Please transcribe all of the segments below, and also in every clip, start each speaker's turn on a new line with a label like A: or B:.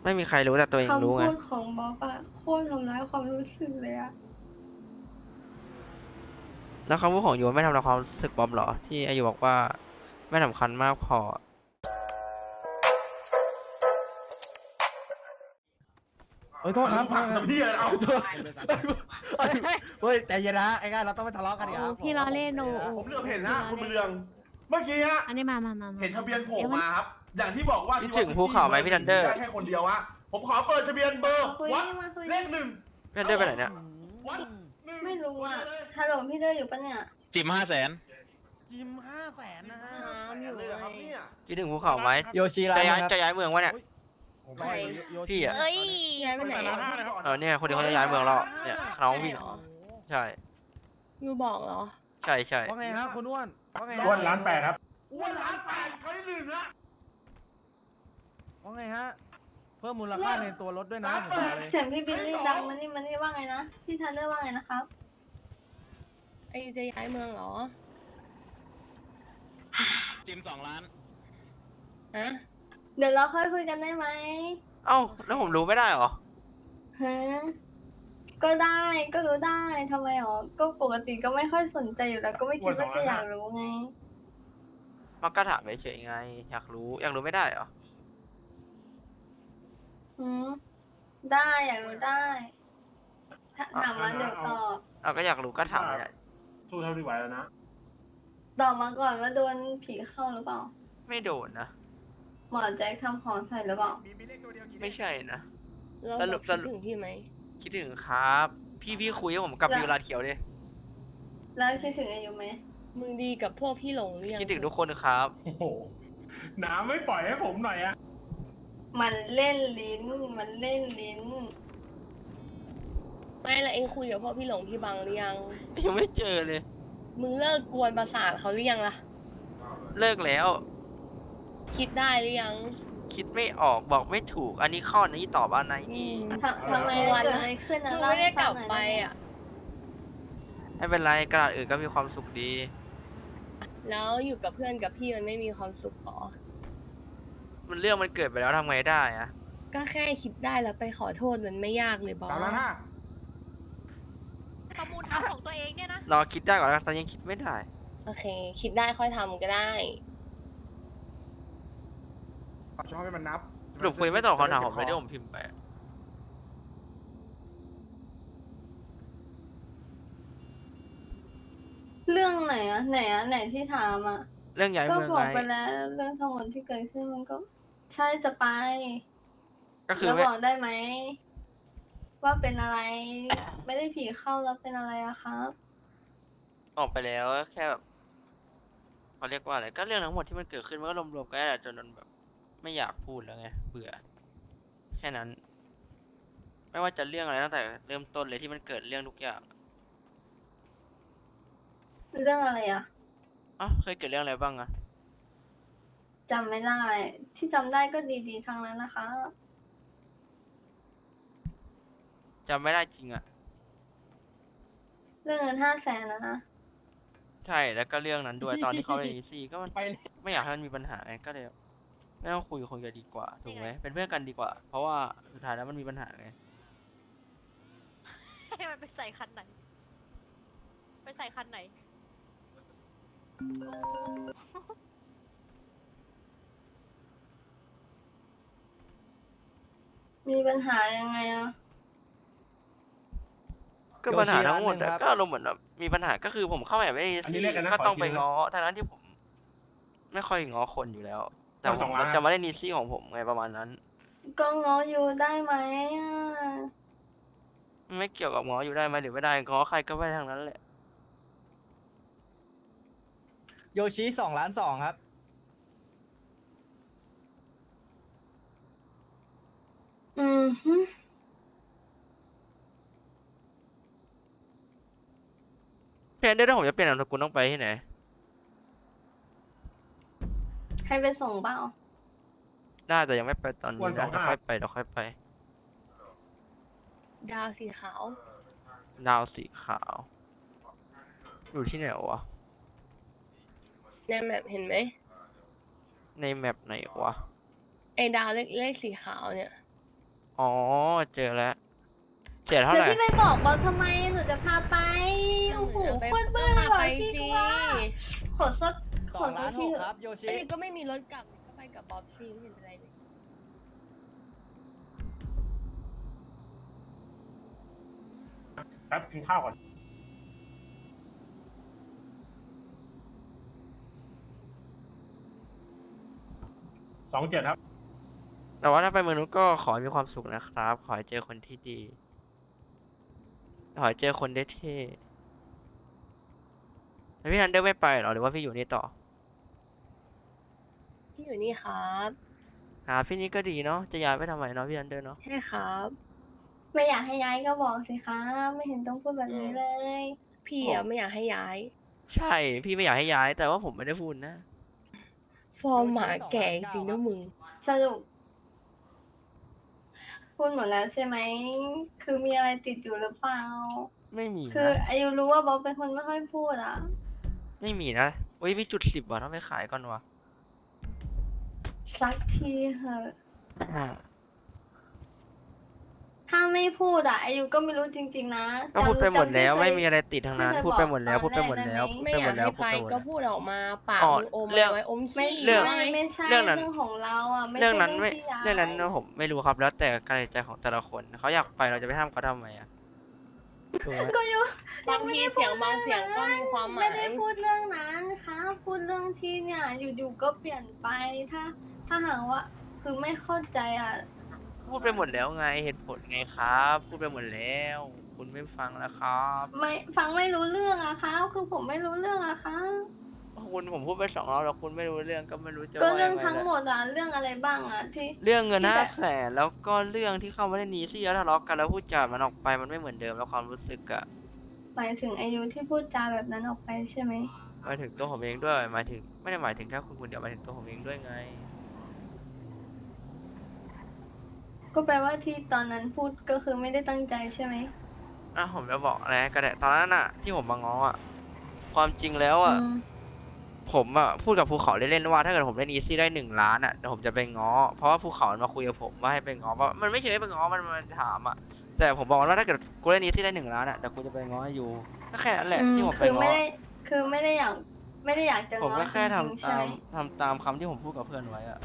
A: ไม่มีใครรู้แต่ตัวเองรู้
B: คำ
A: ไง
B: พูดของบ๊อบอะโคตรทำร้ายความรู้สึกเลยอะ
A: แล้วคำพูดของยูไม่ทำลายความรู้สึกบอมเหรอที่อายุบอกว่าไม่สำคัญมากพอ
C: เฮ้ยโทษครับ
D: ผักกับพี่อะไรเอา
C: โทษเฮ้ยใจเย็นนะไอ้ง่ายเราต้องไม่ทะเลาะกันอีกครับ
E: พี่ล้อเล่นโน
D: ผมเหลือบเห็นนะคุณเรือง เมื่อกี้ฮะ
E: อันนี้มา
D: เห็นทะเบียนโผล่มาครับ อย่างที่บอกว่า
A: คิดถึงภูเขาไหมพี่ทันเดอร์
D: ได้แค่คนเดียวฮะผมขอเปิดทะเบียนเบอร์
B: คุย
D: วัด
B: มาคุย
D: เลขหนึ่ง
A: พี่ทันเดอร์ไปไหนเนี่ย
D: วัดหนึ่ง
B: ไม่รู้อะฮัลโหลพี่เดอร์อยู่ปะเนี่ย
F: จิม500,000
C: จิม500,000นะฮะ
D: อยู่เลยเหรอครับเนี่ย
A: คิดถึงภูเขาไหม
C: โยชิร้า
A: จะ
C: น
A: ย้าย
C: ครับ
A: จะย้ายเมืองวะเนี่ย
C: ผมไปโยชิ
A: พี่อะ
E: เอ้ยย้ายไปไหน
A: เนี่ยคนที่เขาจะย้ายเมืองเราเนี่ยน้องพี่ใช่
E: ยูบอกเหรอ
A: ใช่ใช่
C: ว่าไงครับคุณอ้วนว่าไงฮะ
D: อ้วนล้านแปดครับอ้วนล้านแปดครั้งที่หนึ่งฮะ
C: ว่าไงฮะเพิ่มมูลค่าในตัวรถด้วยนะผมบอกเลย
B: เสียงพี่บิลลี่ดังมันนี่ว่าไงนะพี่ทันเดอร์ว่าไงนะครับ
E: ไอจะย้ายเมืองเหรอ
F: จิม2 ล้าน
E: ฮะ
B: เดี๋ยวเราค่อยคุยกันได้ไหม
A: เอ้าแล้วผมรู้ไม่ได้เหรอ
B: ฮะก็ได้ก็รู้ได้ทำไมหรอก็ปกติก็ไม่ค่อยสนใจอยู่แล้วก็ไม่คิดว่าจะอยากรู้ไง
A: มากระถามเฉยๆไงอยากรู้ไม่ได้เหรอ
B: หืมได้อยากรู้ได้ถามมาเดี๋ยวตอบ
A: เอาก็อยากรู้ก็ถามเลย
D: สู้เท่าที่ไหวแล้วนะ
B: ตอบมาก่อนว่าโดนผีเข้าหรือเปล่า
A: ไม่โดนนะ
B: หมอแจ็คทำของใส่หรือเปล่า
A: ไม่ใช่นะ
E: เรา
A: สรุป
E: คิดถึงพี่ไหม
A: คิดถึงครับ พี่คุยกับผมกับ
B: แล้ว
A: วิวลาเขียวดิ
B: แล้วคิดถึงอายุไหม
E: มึงดีกับพวกพี่หลงหรือยัง
A: คิดถึงทุกคนครับ
D: โอ้โหน้ำไม่ปล่อยให้ผมหน่อยอะ
B: มันเล่นลิ้น มันเล่นลิ้น
E: ไม่ละเองคุยกับพวกพี่หลงพี่บังหรือยัง
A: ยังไม่เจอเลย
E: มึงเลิกกวนประสาทเขาหรือยังล่ะ
A: เลิกแล้ว
E: คิดได้หรือยัง
A: คิดไม่ออกบอกไม่ถูก อันนี้ข้อนี้ตอบอันไหนดี
B: ทำไมเกิดอะไรขึ้นนะ
E: มึง
B: เล่า
E: ไม่ได้
B: ให้
E: ก
B: ฟั
E: ลั
B: ง
E: บ
B: หน่อย
E: ไป
B: ได้ไหม
E: อ่ะ
A: ไม่เป็นไรกระดาษอื่นก็มีความสุขดี
E: แล้วอยู่กับเพื่อนกับพี่มันไม่มีความสุขหรอ
A: มันเรื่องมันเกิดไปแล้วทำไงได้อะ
E: ก็แค่คิดได้แล้วไปขอโทษมันไม่ยากเลยบอส
C: 3,500,000
G: ประมูลทำของตัวเองเนี่ยนะ
A: รอคิดได้ก่อนแล้วกันตอนยังคิดไม่ได้
E: โอเค คิดได้ค่อยทำก็ได้
C: ชอบให้มันนับ
A: สรุปคุยไม่ตอบคำถามผมเลยที่ผมพิมพ์ไป
B: เรื่องไหนอะไหนที่ถามอะ
A: เรื่องย้าย
B: ก็
A: เมือง
B: บอก
A: ไง
B: ไปแล้วเรื่องทั้งหมดที่เกิดขึ้นมันก็ ใช่จะไป
A: ก็คือ
B: แล้ว
A: ไม่
B: บอกได้ไหม ว่าเป็นอะไร ไม่ได้ผีเข้าแล้วเป็นอะไรอะครับ
A: ออกไปแล้วแค่แบบเขาเรียกว่าอะไรก็เรื่องทั้งหมดที่มันเกิดขึ้นมันก็รวมๆกันแหละจนมันแบบ ไม่อยากพูดแล้วไงเบื่อ แค่นั้น ไม่ว่าจะเรื่องอะไรตั้งแต่เริ่มต้นเลยที่มันเกิดเรื่องทุกอย่าง
B: เรื่องอะไรอะ
A: อ๋อเคยเกิดเรื่องอะไรบ้างอะ
B: จำไม่ได้ ที่จำได้ก็ดีๆทั้งนั้นนะคะ
A: จำไม่ได้จริงอะ
B: เรื่องเงิน500,000นะนะ
A: ใช่แล้วก็เรื่องนั้นด้วย ตอนที่เขาเล่นอีซี่ก็มันไม่อยากให้มันมีปัญหาไงก็เลยไม่ต้องคุยกันดีกว่าถูกไหมเป็นเพื่อนกันดีกว่า เพราะว่าสุดท้ายแล้วมันมีปัญหาไง
G: ให้มันไปใส่คันไหน ไปใส่คันไหน
B: มีปัญหายังไงอะ
A: ก็ปัญหาทั้งหมด
C: โยชิร้านหนึ่งครับ
A: ก็อารมณ์เหมือนแบบมีปัญหาก็คือผมเข้ามาแบบไม่ได้
D: อันนี้
A: ซี่
D: เรียกกันนะ
A: ก็ต้อง
D: ขออีก
A: ไป
D: ทีนะ
A: ง้อทั้งที่ผม ไม่ค่อยง้อคนอยู่แล้ว แต่ผ
D: สอ
A: ม
D: งล้าน
A: จะมาเล่นนีซี่ของผมไงประมาณนั้น
B: ก็ง้ออยู่ได้ไหมอะ
A: ไม่เกี่ยวกับง้ออยู่ได้ไหมหรือไม่ได้ง้อใครก็ไม่ได้ทั้งนั้นแหละ
C: โยชิ2,200,000ครับ
B: อืมฮึ
A: เพียงเดี๋ยวถ้าผมจะเปลี่ยนนามสกุลต้องไปที่ไหน
B: ให้ไปส่งเปล่า
A: ได้แต่ยังไม่ไปตอนนี้
D: วันสอ
A: นะ
D: ง
A: เดี๋ยว
D: ห้า
A: ค่อยไปเดี๋ยวค่อยไป
E: ดาวสีขาว
A: ดาวสีขาว อยู่ที่ไหนวะ
E: ในแมปเห็นไหม
A: ในแมปไหนวะ
E: ไอ้ดาวเลขสีขาวเนี่ย
A: อ๋อเจอแล้วเสียเท่า
B: แล้ว
A: ไหร่
B: พี่ไปบอกบอสทำไมหนูจะพาไปโอ้โห
E: ไป
B: โคตรเบื่อเลย
E: ไป
B: ว่ะพี่
E: สิ
B: ก็ว่าขอสัก
C: ส
B: ข
C: อ
B: อง
C: ล้า
B: สัก
C: น
B: ที
C: หก
B: เถ
C: ครั
B: อะ
C: บโยชิ
E: อันนี้ก็ไม่มีรถกลับก็ไปกับบ๊อบซี่ไม่เห็นเป็นไรเลย
D: แป๊บกินข้าวก่อน27ครับ
A: แต่ว่าถ้าไปเมืองนู้นก็ขอให้มีความสุขนะครับ ขอให้เจอคนที่ดี ขอให้เจอคนได้เท่แล้วพี่ทันเดอร์ไม่ไปเหรอหรือว่าพี่อยู่นี่ต่อ
E: ที่อยู่นี่ครับ
A: พี่นี่ก็ดีเนาะจะย้ายไปทำไมเนาะพี่ทันเดอร์เนาะ
E: ใช่ครับ
B: ไม่อยากให้ย้ายก็บอกสิคะไม่เห็นต้องพูดแบบนี้เลย
E: พี่อะไม่อยากให้ย้าย
A: ใช่พี่ไม่อยากให้ย้ายแต่ว่าผมไม่ได้พูดนะ
E: ฟอร์มหมาแก่จริงนะมึง
B: สรุปพูดหมดแล้วใช่ไหมคือมีอะไรติดอยู่หรือเปล่า
A: ไม่มี
B: คือ
A: นะ
B: อายุรู้ว่าบ๊อบเป็นคนไม่ค่อยพูดอ่ะ
A: ไม่มีนะอุ้ยมีจุด10ว่ะต้องไปขายก่อนวะ
B: สักทีเหอะ ถ้าไม่พูดอ่ะอายุก็ไม่รู้จริงๆนะ
A: ก็พูดไปหมดแล้ว
B: จำที่
A: ไม่
B: เคย
A: มีอะไรติดทั้งนั้น
B: ที่เคย
A: พูดไปหมดแล้ว
B: บอก
A: พูดไปหมดแล้ว
B: ตอน
A: พูด
B: แรก
A: ไป
E: ไม่
A: ห
E: อ
A: ม
E: ยา
A: ด
E: ก
A: แล้ว
E: ให้
A: พูด
E: ไป
A: ไปหมด
E: ก็
A: แล้ว
E: พูดออกมาปาก
A: อ๋อ
E: มึงอม
A: เรื่อง
E: ไว้อม
B: ไม่
E: ฉี่
A: เรื่อง
E: ไว้
B: ไม่ใช่
A: เรื่องนั้น
B: เรื่องของเราอ่ะไม่ใช่
A: เรื่องนั้นไม่
B: ที่ย้าย
A: เรื่องนั้นผมไม่รู้ครับแล้วแต่การตัดสินใจของแต่ละคนเขาอยากไปเราจะไปห้ามเขาทำไมอ่ะถูกไหม
B: ก็อยู่
E: บางทีเสียงบางเสียงก็มีความหมา
B: ไม่
E: ย
B: ได้พูดเรื่องนั้นค่ะพูดเรื่องที่เนี่ยอยู่ๆก็เปลี่ยนไปถ้าหากว่าคือไม่เข้าใจอ่ะ
A: พูดไปหมดแล้วไงเหตุผลไงครับ พูดไปหมดแล้ว คุณไม่ฟังแล้วครับ
B: ไม่ฟังไม่รู้เรื่องอะคะคือผมไม่รู้เรื่องอะคะ
A: คุณผมพูดไป2 รอบแล้วคุณไม่รู้เรื่องก็ไม่รู้จะ
B: ก็
A: ว่า
B: เรื่
A: ยั
B: อง
A: งไง
B: ทั้ง
A: แล้ว
B: หมดอะเรื่องอะไรบ้างอะที่
A: เรื่องเงิน
B: ที่จะ
A: 500,000แล้วก็เรื่องที่เข้ามาในนี้ที่ทะเลาะกันแล้วพูดจามันออกไปมันไม่เหมือนเดิมแล้วความรู้สึกอะ
B: หมายถึงอายุที่พูดจาแบบนั้นออกไปใช่ไหม
A: หมายถึงตัวผมเองด้วยหมายถึงไม่ได้หมายถึงแค่คุณคนเดียวหมายถึงตัวผมเองด้วยไง
B: ก็แปลว่าที่ตอนนั้นพูดก็คือไม่ได้ตั้งใจใช่ไหม
A: ผมจะบอกอะไรก็ได้ตอนนั้นอะที่ผมมาง้ออะความจริงแล้วอะ
B: อืม
A: ผมอะพูดกับภูเขาเล่นๆว่าถ้าเกิดผมเล่นอีซี่ได้1 ล้านอะเดี๋ยวผมจะไปง้อเพราะว่าภูเขามันมาคุยกับผมว่าให้ไปง้อเพราะมันไม่เชิงให้ไปง้อมันถามอะแต่ผมบอกว่าถ้าเกิดกูเล่นอีซี่ได้1 ล้านอะเดี๋ยวกูจะไปง้ออยู่ก็แค่นั้นแหละที่ผมไป
B: คือ
A: ง้
B: ไม่
A: อ
B: ได้คือไม่ได้อยากจะ
A: ผม
B: ง้อ
A: ก็แค่
B: จริงๆ
A: ทำ
B: ใช่
A: ตา
B: ไห
A: ม
B: ม
A: ทำตามคำที่ผมพูดกับเพื่อนไว้อะ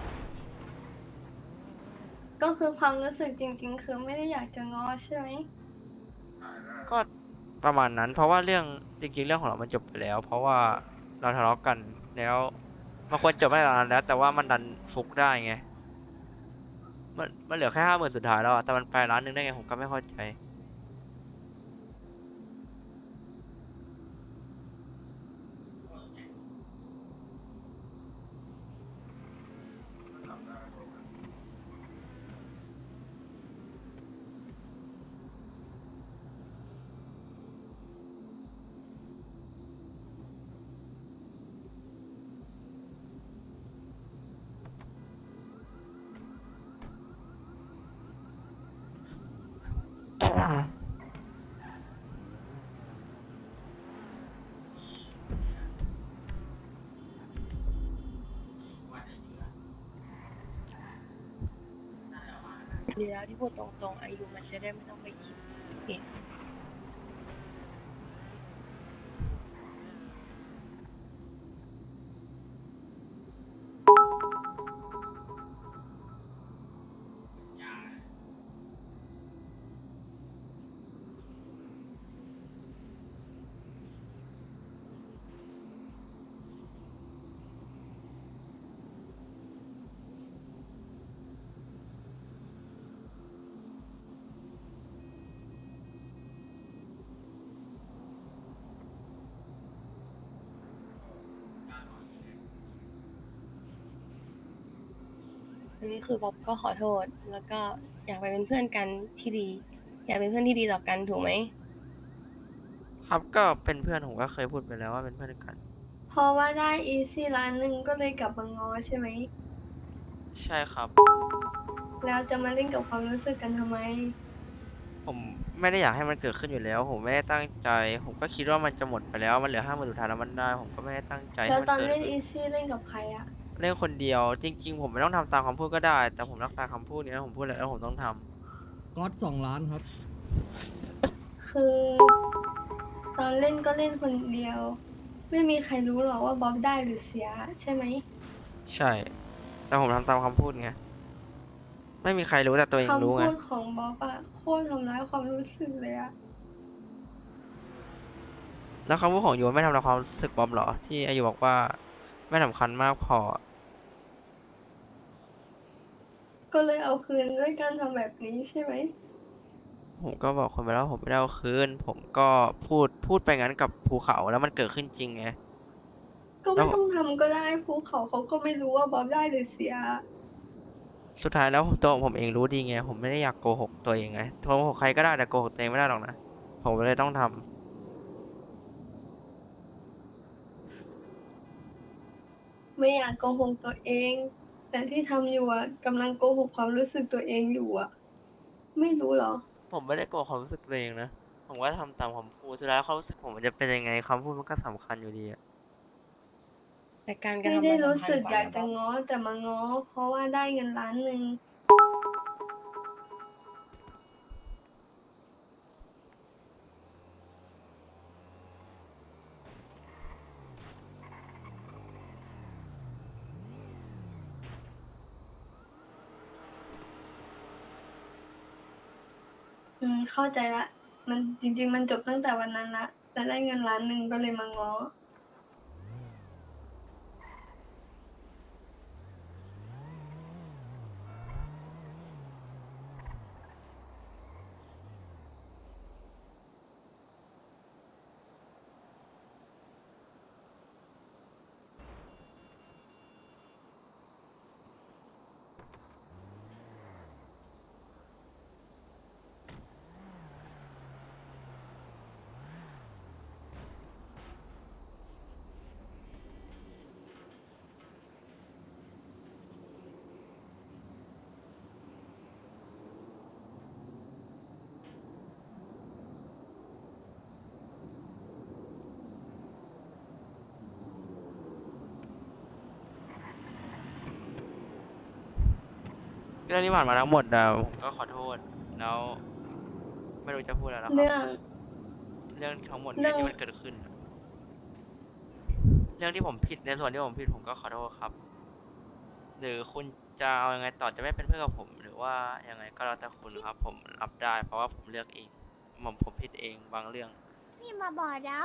B: ก็คือความรู้สึกจริง ๆ คือไม่ได้อยากจะง้อใช่ไหม
A: ก็ประมาณนั้น เพราะว่าเรื่องจริงๆเรื่องของเรามันจบไปแล้ว เพราะว่าเราทะเลาะกันแล้วมันควรจบไปตอนนั้นแล้ว แต่ว่ามันดันฟุกได้ไงมันเหลือแค่50,000สุดท้ายแล้วอะแต่มันไป1 ล้านได้ไงผมก็ไม่เข้าใจ
E: ดีแล้วที่พูดตรงๆอายุมันจะได้ไม่ต้องไปคิดเอง อันนี้คือบ๊อบก็ขอโทษ แล้วก็อยากไปเป็นเพื่อนกันที่ดี อยากเป็นเพื่อนที่ดีต่อกันถูกไหม
A: ครับก็เป็นเพื่อนผมก็เคยพูดไปแล้วว่าเป็นเพื่อนกัน
B: เพราะว่าได้อีซี่ล้านหนึ่งก็เลยกลับมาง้อใช่ไหม
A: ใช่ครับ
B: แล้วจะมาเล่นกับความรู้สึกกันทำไม
A: ผมไม่ได้อยากให้มันเกิดขึ้นอยู่แล้ว ผมไม่ได้ตั้งใจ ผมก็คิดว่ามันจะหมดไปแล้วมันเหลือ50,000สุดท้ายแล้วมันได้ ผมก็ไม่ได้ตั้งใจ
B: แล้
A: ให้
B: ว
A: มัน
B: ตอน
A: เกิด
B: เล่น
A: ขึ้น
B: อีซี่เล่นกับใครอะ
A: เล่นคนเดียว จริง ๆ ผมไม่ต้องทำตามคำพูดก็ได้ แต่ผมรักษาคำพูดเนี้ยผมพูดแล้วผมต้องท
H: ก๊อต2 ล้านครับ
B: คือตอนเล่นก็เล่นคนเดียว ไม่มีใครรู้หรอกว่าบ๊อบได้หรือเสียใช่ไหม
A: ใช่ แต่ผมทำตามคำพูดไง ไม่มีใครรู้แต่ตัวเองรู้
B: คำ
A: ไง
B: พูดของบ๊อบอะโคตรทำร้ายความรู้สึกเลยอะ
A: แล้วคำพูดของยูไม่ทำร้ายความรู้สึกบอมเหรอ ที่อายุบอกว่าไม่สำคัญมากพอ
B: ก็เลยเอาคืนด้วยการทำแบบนี้ใช่ไหม
A: ผมก็บอกคนไปแล้ววาผมไม่ได้เอาคืน ผมก็พูดไปงั้นกับภูเขาแล้วมันเกิดขึ้นจริงไง
B: ก็ไม่ต้องทำก็ได้ภูเขาเขาก็ไม่รู้ว่าบ๊อบได้หรือเสีย
A: สุดท้ายแล้วตัวผมเองรู้ดีไง ผมไม่ได้อยากโกหกตัวเองไงโกหกใครก็ได้แต่โกหกตัวเองไม่ได้หรอกนะ ผมเลยต้องทำ
B: ไม่อยากโกหกตัวเอง แต่ที่ทำอยู่อะกำลังโกหกความรู้สึกตัวเองอยู่อะไม่รู้เหรอ
A: ผมไม่ได้โกหกความรู้สึกตัวเองนะ ผมก็ทำตามคำพูด สุดท้ายความรู้สึกผมมันจะเป็นยังไงคำพูดมันก็สำคัญอยู่ดีอะ
E: แต่การกระ
B: ไม่
E: ทำ
B: ได้
E: มัน
B: รู้
E: สำคัญ
B: สึก
E: กว่า
B: อยาก
E: นะ
B: จะ
E: บ๊อบ
B: ง้อแต่มาง้อ เพราะว่าได้เงิน1,000,000 เข้าใจละ มันจริงๆมันจบตั้งแต่วันนั้นละแต่ได้เงิน1,000,000ก็เลยมาง้อ
A: เรื่องที่ผ่านมาทั้งหมดอะผมก็ขอโทษ แล้ว ไม่รู้จะพูดอะไรแล้วค
B: เรื่
A: รับ
B: อง
A: เรื่องทั้งหมด
B: เรื่
A: เนี่ย
B: อง
A: ที่มันเกิดขึ้นอะเรื่องที่ผมผิดในส่วนที่ผมผิดผมก็ขอโทษครับ หรือคุณจะเอายังไงต่อจะไม่เป็นเพื่อนกับผม หรือว่ายังไงก็แล้วแต่คุณครับ ผมรับได้ เพราะว่าผมเลือกเองผมผิดเองบางเรื่อง
I: พี่มาบอกเรา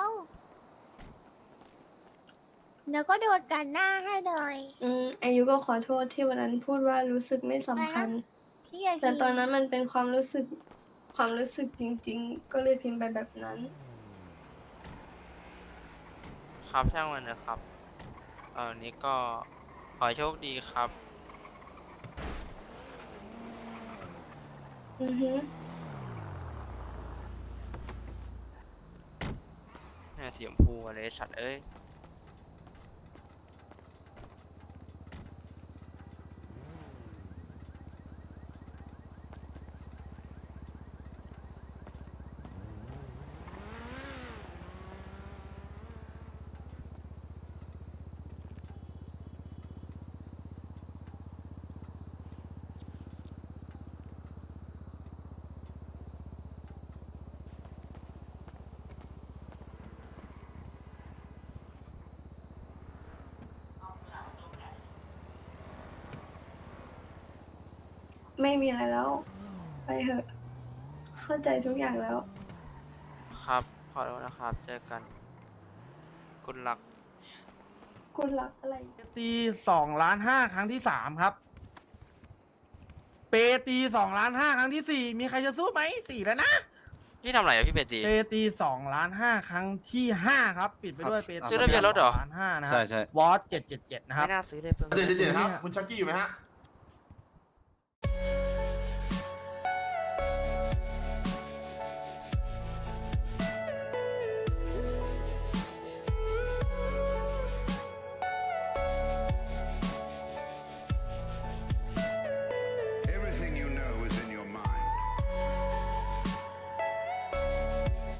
I: เดี๋ยวก็โดนกันหน้าให้เลย
B: อายุก็ขอโทษที่วันนั้นพูดว่ารู้สึกไม่สำคัญ
I: พี่อย่า
B: แต่ตอนนั้นมันเป็นความรู้สึกจริง ๆ ก็เลยพิมพ์ไปแบบนั้น
A: ครับช่างมันนะครับ นี้ก็ขอให้โชคดีครับ
B: อือฮึ
A: สีชมพูอะไรสัตว์เอ้ย
B: ไม่มีอะไรแล้ว ไปเถอะ เข้าใจทุกอย่างแล้ว
A: ครับ ขอโทษนะครับ เจอกัน คุณรัก
B: คุณรักอะไร
C: ตี2,500,000ครั้งที่3ครับ เปตี2,500,000ครั้งที่4มีใครจะสู้ไหม4แล้วนะ
A: พี่ทำอะไรอะพี่เบตี
C: เปตี2,500,000ครั้งที่5ครับ ปิดไปด้วยเปตี
A: ซื้อทะเบียนรถเหรอ
C: 2,500,000นะครับ
J: ใช่ใช่
C: วอส777นะครับ
A: ไม่น่าซื้อเลยเพิ่ม
D: เดี๋ยวครับ คุณชักกี้อยู่ไหมฮะ